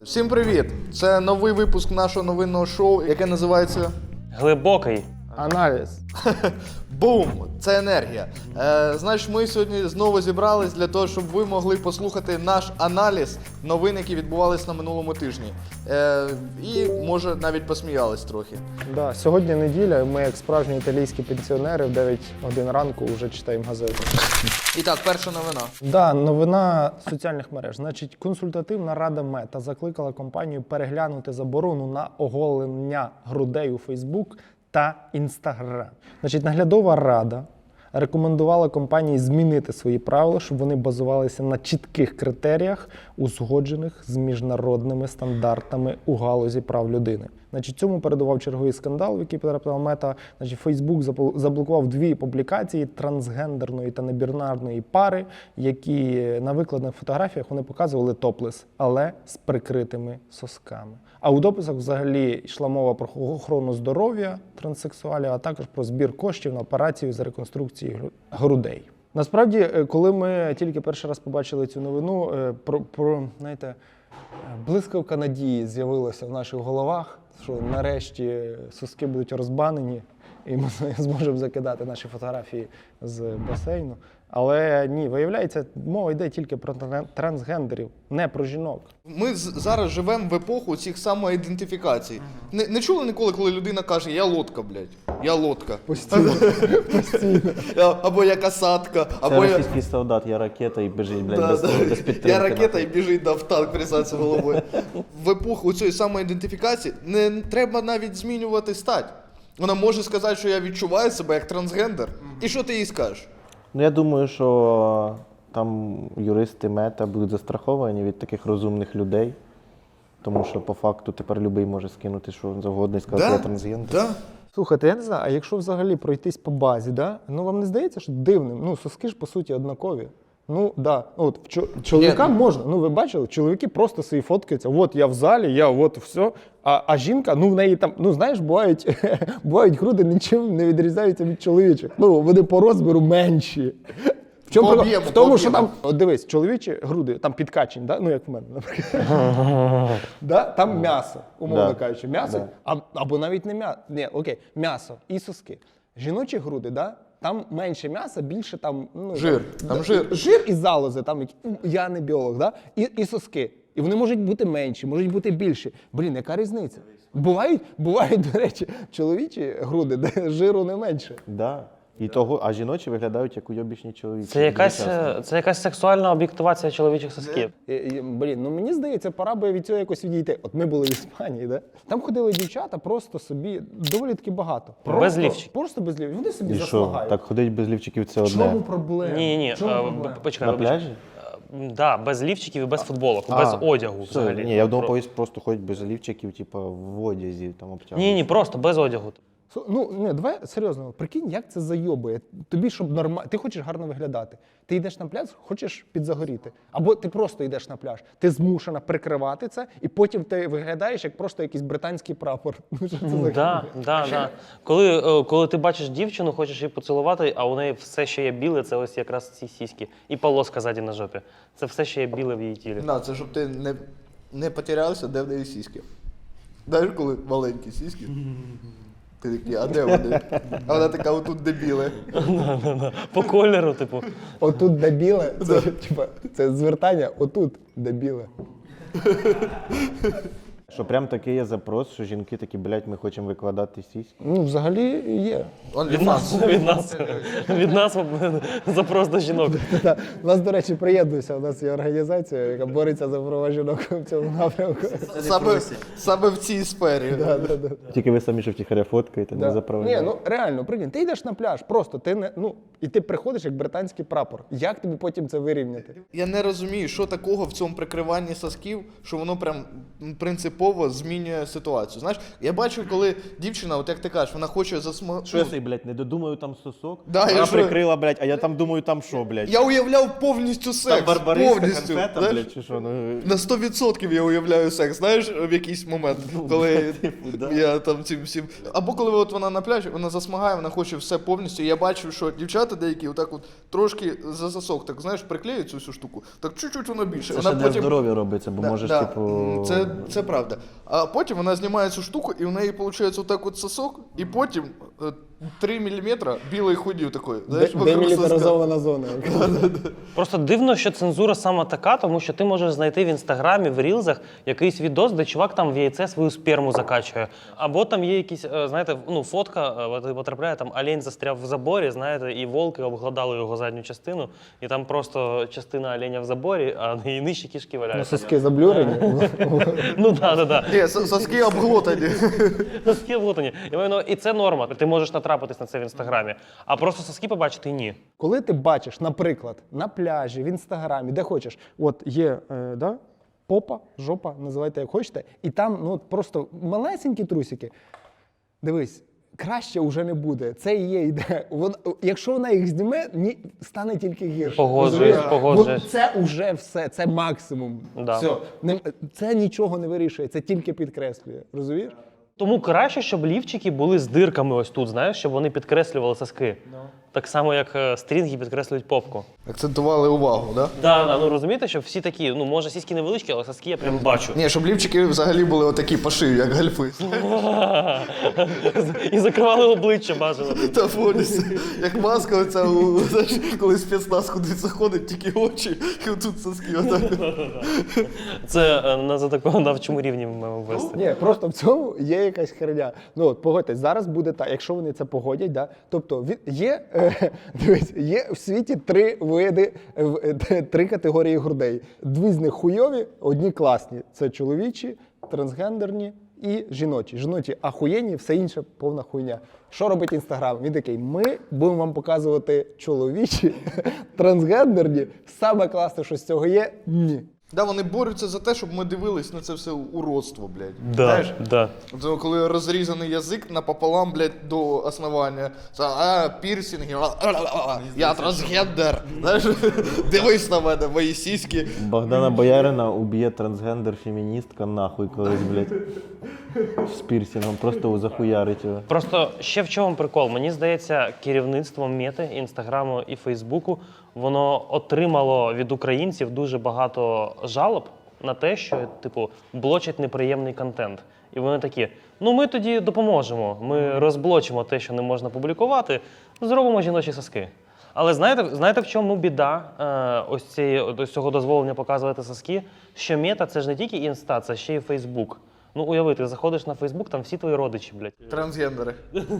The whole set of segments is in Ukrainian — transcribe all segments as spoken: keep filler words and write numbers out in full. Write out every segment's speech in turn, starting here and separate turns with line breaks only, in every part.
Всім привіт! Це новий випуск нашого новинного шоу, яке називається
Глибокий
аналіз.
Бум! Це енергія. Е, значить, ми сьогодні знову зібрались для того, щоб ви могли послухати наш аналіз новин, які відбувалися на минулому тижні. Е, і, може, навіть посміялись трохи.
Да, сьогодні неділя, ми як справжні італійські пенсіонери в дев'ять годин ранку вже читаємо газету.
І так, перша новина.
Да, новина соціальних мереж. Значить, консультативна рада Мета закликала компанію переглянути заборону на оголення грудей у Фейсбук та Інстаграм. Значить, наглядова рада рекомендувала компанії змінити свої правила, щоб вони базувалися на чітких критеріях, узгоджених з міжнародними стандартами у галузі прав людини. Значить, цьому передував черговий скандал, в який потрапила Мета. Значить, Фейсбук заблокував дві публікації трансгендерної та небінарної пари, які на викладених фотографіях вони показували топлес, але з прикритими сосками. А у дописах взагалі йшла мова про охорону здоров'я транссексуалів, а також про збір коштів на операцію з реконструкції грудей. Насправді, коли ми тільки перший раз побачили цю новину, про, про знаєте, блискавка надії з'явилася в наших головах, що нарешті соски будуть розбанені і ми зможемо закидати наші фотографії з басейну. Але ні, виявляється, мова йде тільки про трансгендерів, не про жінок.
Ми зараз живемо в епоху цих самоідентифікацій. Не, не чули ніколи, коли людина каже «я лодка, блядь, я лодка».
Постійно, постійно.
Або «я касатка», або
Це
я...
російський солдат, я ракета і біжить, блядь,
Да,
без,
да.
без підтримки.
Я ракета і біжить да, в танк присадься головою. В епоху цієї самоідентифікації не треба навіть змінювати стать. Вона може сказати, що я відчуваю себе як трансгендер. І що ти їй скажеш?
Ну, я думаю, що там юристи Мета будуть застраховані від таких розумних людей, тому що по факту тепер любий може скинути що завгодно і сказати,
Да?
я трансгендер.
Да?
Слухайте, я не знаю, а якщо взагалі пройтись по базі, да? Ну вам не здається, що дивним? Ну, соски ж по суті однакові. Ну, да. От, чо- чоловікам можна. Ну, ви бачили, чоловіки просто свої фоткаються. От я в залі, я от все. А, а жінка, ну в неї там, ну знаєш, бувають, бувають груди нічим не відрізняються від чоловічих. Ну, вони по розміру менші. В чому
По
прикол?
об'єму,
В тому,
по
що
об'єму.
там, от дивись, чоловічі груди, там підкачені, да? Ну як в мене, наприклад. Да? Там м'ясо, умовно
Да.
кажучи. М'ясо,
Да.
а, або навіть не м'ясо. Ні, окей, м'ясо і соски. Жіночі груди, да? Там менше м'яса, більше там... Ну,
Жир, там
да,
жир.
Жир і залози, там, які- я не біолог, да? і, і соски. І вони можуть бути менші, можуть бути більші. Блін, яка різниця? Бувають, бувають, до речі, чоловічі груди, де жиру не менше.
Да. І того, а жіночі виглядають як уйобічні чоловіки.
це якась,
Дуже часто.
це якась сексуальна об'єктивація чоловічих сосків.
І, і, блін, ну мені здається, пора би від цього якось відійти. От ми були в Іспанії, да? Там ходили дівчата просто собі, доволі таки багато. Просто,
Без лівчиків.
Просто без лівчиків. Вони собі
І що,
засмагають.
так ходить без лівчиків це
В чому
одне.
проблема?
Ні, ні,
В чому
е,
проблема?
б- почекай,
На
вибач.
пляжі?
Е, Да, без лівчиків і без футболок,
А,
без одягу
Все,
взагалі.
ні, я думав,
Про-
повість просто ходять без лівчиків, типу, в одязі, там обтягнути.
Ні, ні, просто без одягу.
Слу- Ну, не, давай серйозно, прикинь, як це зайобує. Тобі, щоб нормально, ти хочеш гарно виглядати. Ти йдеш на пляж, хочеш підзагоріти. Або ти просто йдеш на пляж. Ти змушена прикривати це, і потім ти виглядаєш як просто якийсь британський прапор. Ну, що це за
Да, да, да. Коли, е, коли ти бачиш дівчину, хочеш її поцілувати, а у неї все, що є біле, це ось якраз ці сіськи. І полоска ззаді на жопі. Це все, що є біле в її тілі.
Да, це щоб ти не, не потерявся, де в неї сіськи. Знаєш, коли маленькі сіськи? Ти такий, а де вони? А вона така, отут дебіли.
По кольору, типу.
Отут дебіле, це, типа, це звертання, отут дебіле.
Що прям такий є запрос, що жінки такі, блядь, ми хочемо викладати сіськи.
Ну, взагалі є.
Від нас, від нас, від нас запрос до жінок.
Та, у нас, до речі, приєднуйся, у нас є організація, яка бореться за права жінок в цьому напрямку.
Саме, саме в цій сфері.
Да, да, да.
Тільки ви самі, що втіхаря фоткаєте, не
Да. Ні,
заправляєте.
ну реально, прикинь, ти йдеш на пляж, просто ти не, ну, і ти приходиш як британський прапор. Як тобі потім це вирівняти?
Я не розумію, що такого в цьому прикриванні сосків, що воно прям м, принципово принципово змінює ситуацію. Знаєш, я бачу, коли дівчина, от як ти кажеш, вона хоче засма...
Що я собі, блядь, не додумаю там сосок?
Да, я
Вона
що?
прикрила, блядь, а я там думаю, там що, блядь?
Я уявляв повністю секс.
Там барбариська
повністю.
конфета,
Знаєш?
блядь, чи що? Ну,
На сто відсотків я уявляю секс, знаєш, в якийсь момент, коли
да.
я там цим всім. Або коли от вона на пляжі, вона засмагає, вона хоче все повністю. І я бачу, що дівчата деякі отак от трошки за засок, так знаєш, приклеюють цю всю штуку, так чуть-чуть воно більше.
Це
вона
ще для здоров'я робиться, бо
Да,
можеш,
да,
типу...
м, Це, це правда. А потім вона знімає цю штуку, і в неї виходить отак от сосок, і потім е, три міліметри білої худів такої. Знаєш, вокруг соска.
Демілітаризована зона.
Просто дивно, що цензура саме така, тому що ти можеш знайти в інстаграмі, в рілзах якийсь відос, де чувак там в яйце свою сперму закачує. Або там є якісь, е, знаєте, ну, фотка е, от потрапляє, там олень застряв в заборі, знаєте, і волки обгладали його задню частину, і там просто частина оленя в заборі, а і нижчі кішки
Ну,
валяються.
соски заблюрені.
Ну так, так, так.
Ні, сос- соски обглотані.
Соски облутані. Я маю на увазі, і це норма. Ти можеш натрапитись на це в інстаграмі. А просто соски побачити ні.
Коли ти бачиш, наприклад, на пляжі, в інстаграмі, де хочеш, от є е, да, попа, жопа, називайте як хочете, і там ну, от просто малесенькі трусики. Дивись, краще вже не буде. Це і є ідея. Вон, якщо вона їх зніме, ні, стане тільки гірше.
Погоджуюсь,
Розумієш?
погоджуюсь.
Бо це вже все, це максимум.
Да.
Все. Не- Це нічого не вирішує, це тільки підкреслює. Розумієш?
Тому краще, щоб лівчики були з дирками ось тут, знаєш, щоб вони підкреслювали соски. Так само, як е, стрінги підкреслюють попку.
Акцентували увагу, да?
Да, да, ну розумієте, що всі такі, ну може сіськи невеличкі, але соски я прям бачу.
Ні, щоб лівчики взагалі були отакі по шию, як гальфи.
І закривали обличчя бажано.
Та повністю. Як маска оця, у- знаєш, коли спецназ кудись заходить, тільки очі, і отут соски отак.
Це е, на законодавчому рівні ми маємо ввести.
Ні, просто в цьому є якась херня. Ну от погодьтесь, зараз буде так, якщо вони це погодять, да, тобто від- є, е, дивись, є в світі три види, е, в- е, три категорії грудей. Дві з них хуйові, одні класні. Це чоловічі, трансгендерні і жіночі. Жіночі ахуєнні, все інше повна хуйня. Що робить Інстаграм? Він такий, ми будемо вам показувати чоловічі, трансгендерні. Саме класне, що з цього є, ні.
Да, вони борються за те, щоб ми дивились на це все уродство, блядь.
Да,
Знаєш?
да.
От коли розрізаний язик напополам, блядь, до основання. Це, а, пірсінги, а, а, а, а, я трансгендер. Знаєш, дивись на мене, мої сіськи.
Богдана Боярина уб'є трансгендер-феміністка нахуй колись, блядь. З пірсингом, просто захуярить його.
Просто ще в чому прикол? Мені здається, керівництво Мети, Інстаграму і Фейсбуку, воно отримало від українців дуже багато жалоб на те, що, типу, блочать неприємний контент. І вони такі, ну ми тоді допоможемо, ми розблочимо те, що не можна публікувати, зробимо жіночі соски. Але знаєте, знаєте в чому біда е, ось, цієї, ось цього дозволення показувати соски? Що Мета – це ж не тільки Інста, це ще й Фейсбук. Ну уяви, ти заходиш на Фейсбук, там всі твої родичі, блядь.
Трансгендери.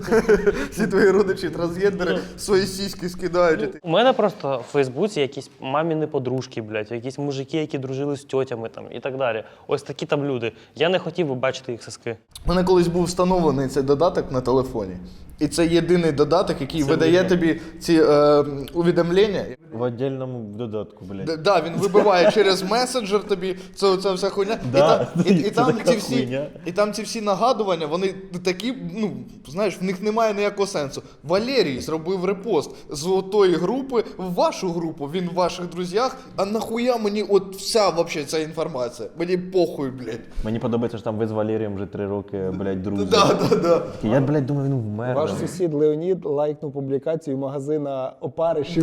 Всі твої родичі трансгендери свої сіськи скидають.
У мене просто в Фейсбуці якісь маміни подружки, блядь, якісь мужики, які дружили з тьотями там і так далі. Ось такі там люди. Я не хотів би бачити їх соски.
У мене колись був встановлений цей додаток на телефоні. І це єдиний додаток, який видає тобі ці е, увідомлення.
В отдельному додатку, блядь.
Д- Да, він вибиває через месенджер тобі це, це вся хуйня.
Да,
і, там, і, і,
це
там
така
ці всі,
хуйня.
і там ці всі нагадування, вони такі, ну, знаєш, в них немає ніякого сенсу. Валерій зробив репост з отої групи в вашу групу, він в ваших друзях, а нахуя мені от вся вообще ця інформація? Мені похуй, блядь.
Мені подобається, що там ви з Валерієм вже три роки, блядь, друзі.
Да, да, да.
Я, блядь, думаю, він вмер.
Ваш
блядь.
сусід Леонід лайкнув публікацію магазина опаришів.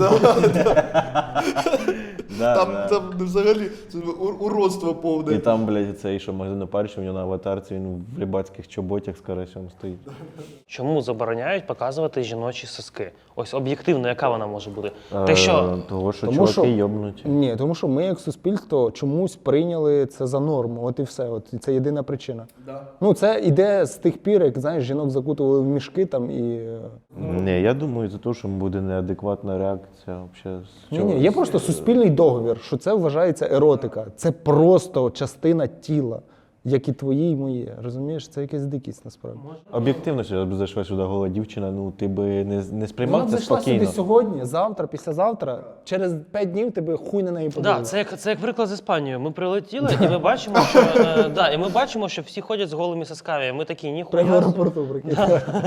Да,
Там,
да.
там взагалі це ур- уродство повне.
І там, блядь, цей, що магазин опарища, у нього на аватарці, він в рибацьких чоботях з карасем стоїть.
Чому забороняють показувати жіночі соски? Ось об'єктивно, яка вона може бути?
Е,
Те, що
Того, що
Тому
чуваки
що-
йобнуті.
Ні, тому що ми як суспільство чомусь прийняли це за норму. От і все. От і це єдина причина.
Да.
Ну це іде з тих пір, як знаєш, жінок закутували в мішки там і. е,
Ні, я думаю, за те, що буде неадекватна реакція. Вообще, з
Ні,
чого-
ні, є просто суспільний договір, що це вважається еротика. Це просто частина тіла. як і твої, і мої. Розумієш, це якась дикість насправді.
Об'єктивно, що б зайшла сюди гола дівчина, ну ти би не, не
Вона
сприймав
б
це
зайшла
спокійно.
сюди сьогодні, завтра, післязавтра, через п'ять днів тебе хуй на неї
Да,
подивиться.
це як це як приклад з Іспанією. Ми прилетіли, і ми бачимо, що е, да, і ми бачимо, що всі ходять з голими сосками. Ми такі ніхуя.
Прямо в
собі».
аеропорту, прикинь.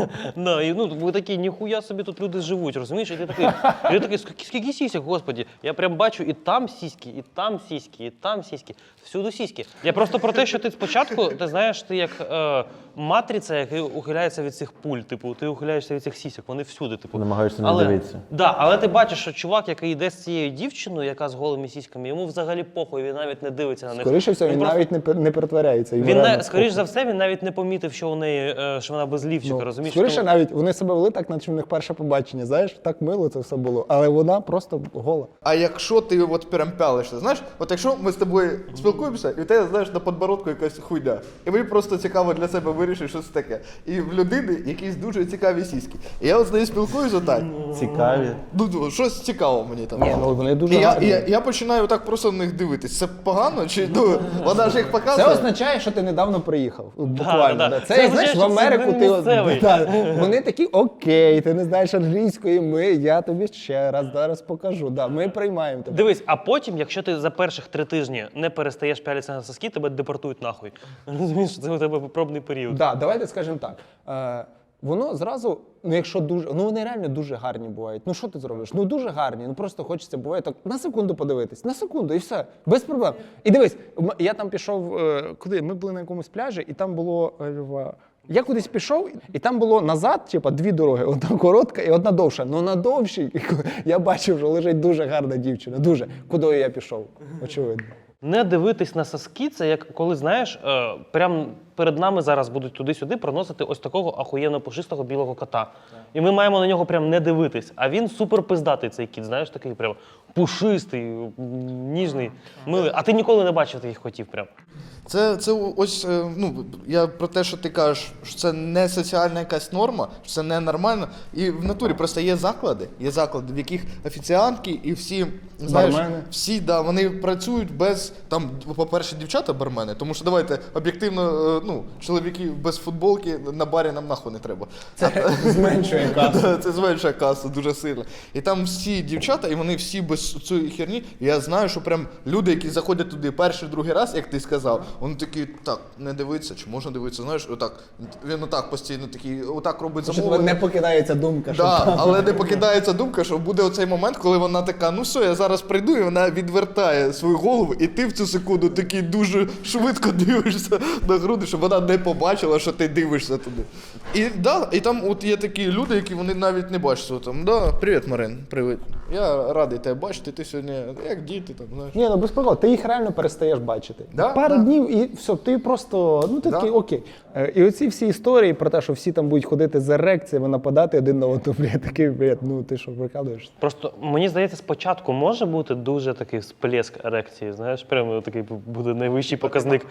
Да, і, ну, ми такі, ніхуя собі тут люди живуть, розумієш? І ти такий, і ти такий, скільки, скільки сісік, господі. Я прям бачу і там сіськи, і там сіськи, і там сіськи, всюди сіськи. Я просто про те, що ти спочатку, ти знаєш, ти як е, матриця, яка ухиляється від цих пуль, типу, ти ухиляєшся від цих сісік, вони всюди, типу.
Намагаєшся не
але,
дивитися.
Да, але ти бачиш, що чувак, який йде з цією дівчиною, яка з голими сіськами, йому взагалі похуй, він навіть не дивиться на них.
Скоріше всього, він
просто-
навіть не, пер- не перетворяється. йому
Він,
реально
на, скоріш
похуй.
за все, він навіть не помітив, що у неї, е, що вона без лівчика,
Ну,
розумієш?
скоріше
Тому-
навіть вони себе вели так, наче в них перше побачення. Знаєш, так мило це все було. Але вона просто гола.
А якщо ти от прям пялишся, знаєш, от якщо ми з тобою спілкуємося, і в тебе, знаєш, на подбородку якась хуйня, і мені просто цікаво для себе вирішити, що це таке. І в людини якісь дуже цікаві сіськи. І я от з нею спілкуюся отак.
Цікаві.
Ну, ну, щось цікаво мені там.
Ні, ну вони дуже
І я,
гарні.
і я, я починаю так просто на них дивитись. Це погано? Чи ну, вона ж їх
Це
показує?
означає, що ти недавно приїхав. От Буквально.
да,
да.
да.
Це,
Це
як, знаєш, в
означає, що це
Америку
не
ти. от-
місцевий.
да, вони такі, окей, ти не знаєш англійської, ми, я тобі ще раз зараз покажу. Да, ми приймаємо тебе.
Дивись, а потім, якщо ти за перших три тижні не перестаєш пялитися на соски, тебе депортують нахуй. Розумієш, що це у тебе пробний період.
Да, давайте скажемо так. Е, воно зразу, ну якщо дуже, ну вони реально дуже гарні бувають. Ну що ти зробиш? Ну дуже гарні. Ну просто хочеться буває так на секунду подивитись, на секунду і все, без проблем. І дивись, м- я там пішов, е, куди? Ми були на якомусь пляжі, і там було. е, в- Я кудись пішов, і там було назад, типа, дві дороги. Одна коротка і одна довша. Ну на довшій я бачив, що лежить дуже гарна дівчина. Дуже. Куди я пішов? Очевидно.
Не дивитись на соски, це як коли, знаєш, е, прям перед нами зараз будуть туди-сюди проносити ось такого ахуєнно пушистого білого кота. І ми маємо на нього прям не дивитись. А він супер пиздатий цей кіт, знаєш, такий прям пушистий, м, ніжний, милий. А ти ніколи не бачив таких котів прям.
Це, це ось, е, ну, я про те, що ти кажеш, що це не соціальна якась норма, що це не нормально. І в натурі просто є заклади, є заклади, в яких офіціантки і всі, знаєш,
Бармени.
всі, да, вони працюють без, там, по-перше, дівчата бармени, тому що, давайте, об'єктивно, е, ну, чоловіки без футболки на барі нам нахуй не треба.
Це зменшує касу.
Да, це зменшує касу дуже сильно. І там всі дівчата, і вони всі без цієї херні. І я знаю, що прям люди, які заходять туди перший, другий раз, як ти сказав, вони такі, так, не дивиться, чи можна дивитися, знаєш, отак. Він отак постійно такий, отак робить
Що тебе
замовлення.
не покидається думка, що
Да,
там.
але не покидається думка, що буде оцей момент, коли вона така, ну все, я зараз прийду, і вона відвертає свою голову, і ти в цю секунду такий дуже швидко дивишся на груди, щоб вона не побачила, що ти дивишся туди. І, да, і там от є такі люди, які вони навіть не бачать. Що там, да, привіт, Марин, привіт. Я радий тебе бачити, ти сьогодні, як діти, там, знаєш.
Ні, ну без приколу, ти їх реально перестаєш бачити.
Да,
Пару
да.
днів і все, ти просто, ну ти
Да.
такий окей. Е, І оці всі історії про те, що всі там будуть ходити з ерекціями, нападати один на одного, блядь, такий, блядь, ну ти що, прикалуєшся?
Просто мені здається, спочатку може бути дуже такий всплеск ерекції, знаєш, прямо такий буде найвищий показник.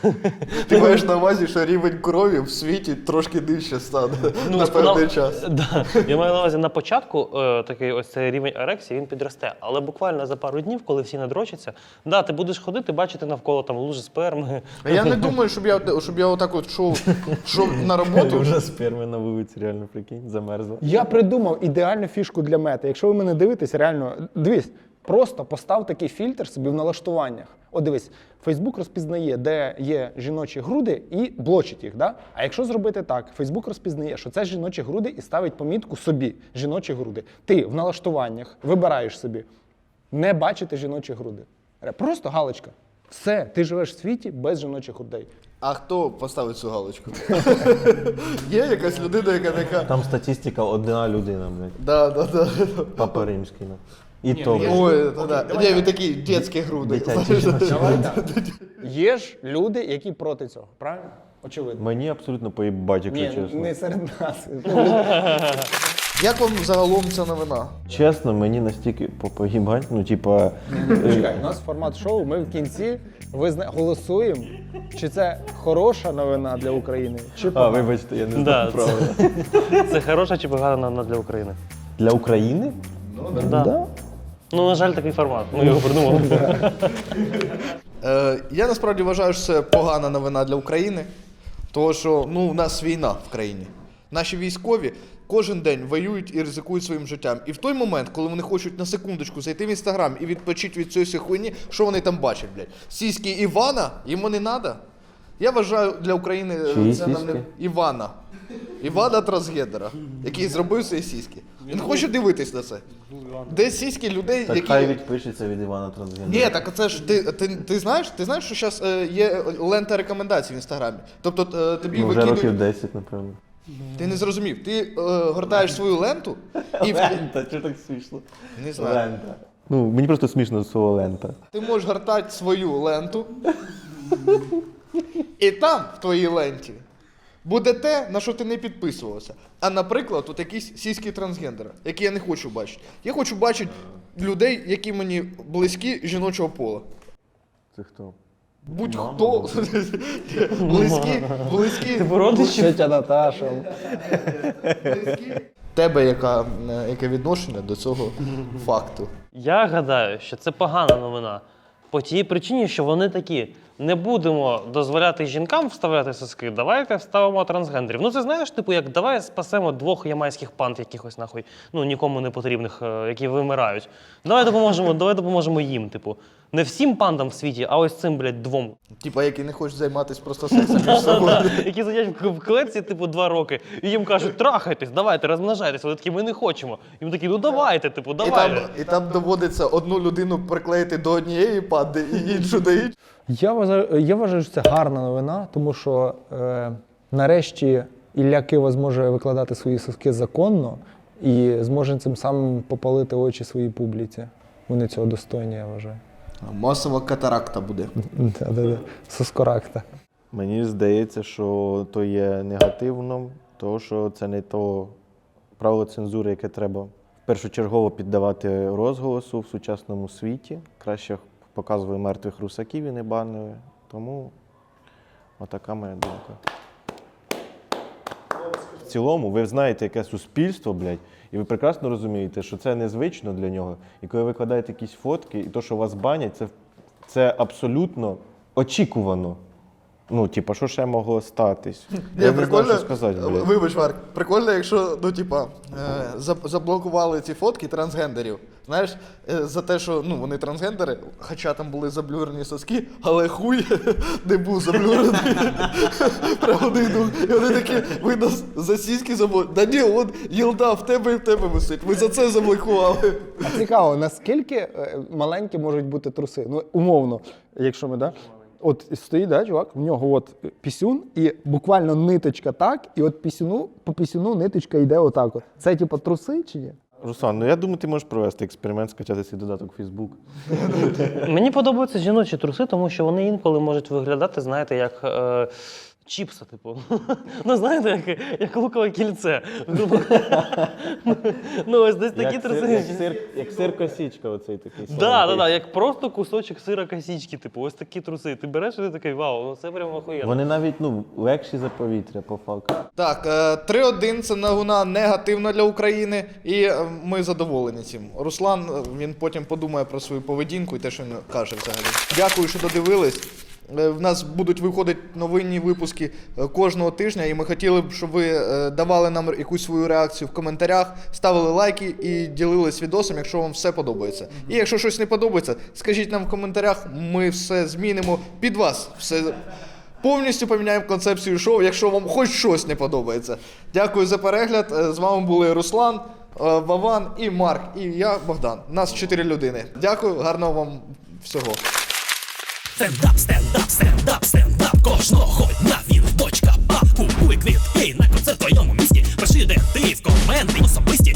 Ти маєш на увазі, що рівень крові в світі трошки нижче стане на певний
на-
час.
Да. Я маю на увазі на початку е, такий ось цей рівень ерекції він підросте, але буквально за пару днів, коли всі надрочаться, да, ти будеш ходити, бачити навколо там лужи сперми.
А я не думаю, щоб я, щоб я отак от йшов, йшов на роботу.
Вже сперми на вулиці, реально, прикинь, замерзла.
Я придумав ідеальну фішку для мети. Якщо ви мене дивитесь, реально, дивись, просто постав такий фільтр собі в налаштуваннях. От дивись, Фейсбук розпізнає, де є жіночі груди, і блочить їх. Да? А якщо зробити так, Фейсбук розпізнає, що це жіночі груди, і ставить помітку собі жіночі груди. Ти в налаштуваннях вибираєш собі не бачити жіночі груди. Просто галочка. Все, ти живеш в світі без жіночих грудей.
А хто поставить цю галочку? Є якась людина, яка така.
Там статистика одна людина, блядь.
Да, да, да.
Папа римський. ну. І то, блядь.
Ой, да, да. Ні, він такі дітські груди.
Дитячі жіночі.
Давай так. Є ж люди, які проти цього, правильно? Очевидно.
Мені абсолютно поїбать, якщо
Ні,
чесно.
не серед нас.
Як вам загалом ця новина?
Чесно, мені настільки по- поїбать, ну, типа...
Чекай, у нас формат шоу, ми в кінці визна... голосуємо, чи це хороша новина для України, чи
А,
погана.
вибачте, я не
Да,
знаю
це,
правильно.
це хороша чи погана новина для України?
Для України?
Да.
Да.
Ну, на жаль, такий формат. Ми його придумали.
Е, я насправді вважаю, що це погана новина для України, тому що ну, у нас війна в країні. Наші військові кожен день воюють і ризикують своїм життям. І в той момент, коли вони хочуть на секундочку зайти в Інстаграм і відпочити від цієї хуйні, що вони там бачать, блядь? Сіськи Івана? Йому не треба? Я вважаю, для України
Чиї
це нам не...
сіськи?
Івана. Івана Трансгендера, який зробив свої сіськи. Він хоче дивитись на це. Де сіськи людей,
Так
які...
хай відпишеться від Івана Трансгендера.
Ні, так це ж ти, ти, ти знаєш, ти знаєш, що зараз е, є лента рекомендацій в Інстаграмі. Тобто е, тобі
Ну, вже
викидують...
років десять, напевно.
Ти не зрозумів. Ти е, гортаєш свою ленту і в-
Лента, чого так смішно?
не знаю.
Лента. Ну, мені просто смішно слово лента.
Ти можеш гортати свою ленту. І там, в твоїй ленті, буде те, на що ти не підписувався. А, наприклад, тут якісь сіські трансгендера, які я не хочу бачити. Я хочу бачити людей, які мені близькі жіночого пола.
Це хто?
Будь-хто близькі, близькі.
Типу родичі?
Тетя Наташа.
Тебе яка, е, яке відношення до цього факту?
Я гадаю, що це погана новина. По тій причині, що вони такі. Не будемо дозволяти жінкам вставляти соски, давайте вставимо трансгендерів. Ну це знаєш, типу, як давай спасемо двох ямайських панд якихось нахуй, ну нікому не потрібних, е, які вимирають. Давай допоможемо, давай допоможемо їм, типу. Не всім пандам в світі, а ось цим, блядь, двом.
Типа, які не хочуть займатися просто сексом між собою.
Які сидять в в клетці, типу, два роки, і їм кажуть, трахайтесь, давайте, розмножайтесь. Вони такі, ми не хочемо. І вони такі, ну давайте, типу,
І там,
давайте.
і там доводиться одну людину приклеїти до однієї панди і іншу до іншої.
Я вважаю, я вважаю, що це гарна новина, тому що е, нарешті Ілля Кива зможе викладати свої соски законно і зможе цим самим попалити очі своїй публіці. Вони цього достойні, я вважаю.
Масова катаракта буде.
Да-да-да. Соскоракта.
Мені здається, що то є негативно, тому що це не то правило цензури, яке треба першочергово піддавати розголосу в сучасному світі. Краще показує мертвих русаків і не банили. Тому отака моя думка. В цілому, ви знаєте, яке суспільство, блядь, і ви прекрасно розумієте, що це незвично для нього. І коли ви викладаєте якісь фотки, і то, що вас банять, це, це абсолютно очікувано. Ну, типа, що ще могло статись? Я не знаю, що сказати, блядь.
Вибач, Марк, прикольно, якщо, ну, типа, е, заб- заблокували ці фотки трансгендерів. Знаєш, е, за те, що ну, вони трансгендери, хоча там були заблюрені соски, але хуй не був заблюрений. Прямо не йду. І вони такі, ви нас за сіськи заблокували. Да ні, от єлда в тебе і в тебе висить. Ви за це заблокували.
А цікаво, наскільки е, маленькі можуть бути труси? Ну, умовно, якщо ми, да? От стоїть, да, чувак, в нього от пісюн, і буквально ниточка так, і от пісюну, по пісюну ниточка йде отак от. Це типу труси чи ні?
Руслан, ну я думаю, ти можеш провести експеримент, скачати свій додаток в Facebook.
Мені подобаються жіночі труси, тому що вони інколи можуть виглядати, знаєте, як е, чіпса, типу. Ну, знаєте, як, як лукове кільце. Ну, ось десь такі
Як
труси.
сир, як сир, як сир косічка, оцей такий.
Так, так, так, як просто кусочок сира косічки, типу, ось такі труси. Ти береш і ти такий, вау, ну це прямо охуєнно.
Вони навіть ну, легші за повітря, по факту.
Так, е, три один це новина негативна для України, і е, ми задоволені цим. Руслан, е, він потім подумає про свою поведінку і те, що він каже взагалі. Дякую, що додивились. Е, В нас будуть виходити новинні випуски е, кожного тижня, і ми хотіли б, щоб ви е, давали нам якусь свою реакцію в коментарях, ставили лайки і ділились відосом, якщо вам все подобається. І якщо щось не подобається, скажіть нам в коментарях, ми все змінимо під вас. Все повністю поміняємо концепцію шоу, якщо вам хоч щось не подобається. Дякую за перегляд. Е, З вами були Руслан, е, Вован і Марк, і я, Богдан. Нас чотири людини. Дякую, гарного вам всього.
Стендап, стендап, стендап, стендап кожного дня він точка а. Купуй квітки на концерт в твоєму місті. Пиши, де ти в коменти особисті.